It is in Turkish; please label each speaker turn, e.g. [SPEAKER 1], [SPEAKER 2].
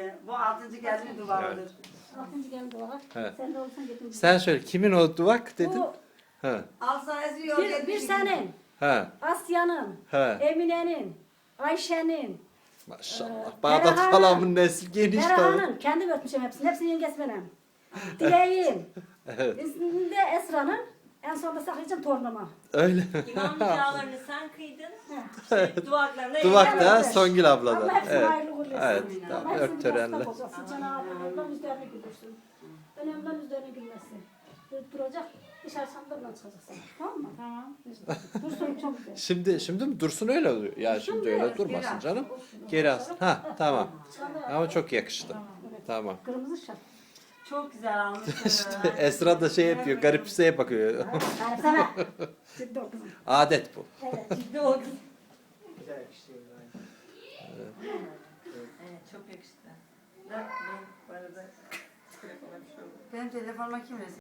[SPEAKER 1] Bu 6. gelin duvarıdır.
[SPEAKER 2] 6. gelin duvara.
[SPEAKER 3] Evet.
[SPEAKER 2] Sen de olsan getirin.
[SPEAKER 3] Sen söyle kimin o duvak dedin?
[SPEAKER 2] Bu
[SPEAKER 3] Ha.
[SPEAKER 1] Alsa esiyor.
[SPEAKER 2] bir senin,
[SPEAKER 3] Ha.
[SPEAKER 2] Asya'nın,
[SPEAKER 3] Ha.
[SPEAKER 2] Emine'nin, Ayşe'nin,
[SPEAKER 3] Maşallah. Bağdat
[SPEAKER 2] Berahan'ın,
[SPEAKER 3] halamın nesli geniş tabii.
[SPEAKER 2] Berahan'ın, kendim öpmüşüm hepsini. Hepsini yengesi benim. Dilek'in,
[SPEAKER 3] Evet.
[SPEAKER 2] İsminde Esra'nın, en sonunda saklayacağım torunuma.
[SPEAKER 3] Öyle.
[SPEAKER 4] İmam nikahlarını sen kıydın. İşte duvaklarını
[SPEAKER 3] Duvak da
[SPEAKER 2] Evet.
[SPEAKER 3] Songül ablada.
[SPEAKER 2] Allah hepsini
[SPEAKER 3] Evet.
[SPEAKER 2] hayırlı uğurlu etsin.
[SPEAKER 3] Evet.
[SPEAKER 2] Allah
[SPEAKER 3] Tamam.
[SPEAKER 2] hepsini
[SPEAKER 3] Ört törenle.
[SPEAKER 2] yastık bozacasın. Cenab-ı Allah'ın üzerine güldürsün. Önemli üzerine gülmesi. Duracak, dışarı çamlarla çıkacaksın. Tamam mı? Tamam. Dursun çok güzel.
[SPEAKER 3] Şimdi mi dursun öyle oluyor. Ya şimdi öyle
[SPEAKER 1] biraz,
[SPEAKER 3] durmasın
[SPEAKER 1] geri
[SPEAKER 3] canım. Geri alsın. Ha tamam. Ama çok yakıştı.
[SPEAKER 2] Evet.
[SPEAKER 3] Tamam.
[SPEAKER 2] Kırmızı şart.
[SPEAKER 1] Çok güzel almışsın.
[SPEAKER 3] Esra da şey yapıyor. Garipseye bakıyor.
[SPEAKER 2] Yani sana. Ciddi ol kızım.
[SPEAKER 3] Adet bu.
[SPEAKER 2] Evet.
[SPEAKER 4] Ciddi o kız.
[SPEAKER 5] Güzel yakıştı.
[SPEAKER 4] Evet çok yakıştı.
[SPEAKER 1] Benim telefonuma kim resim?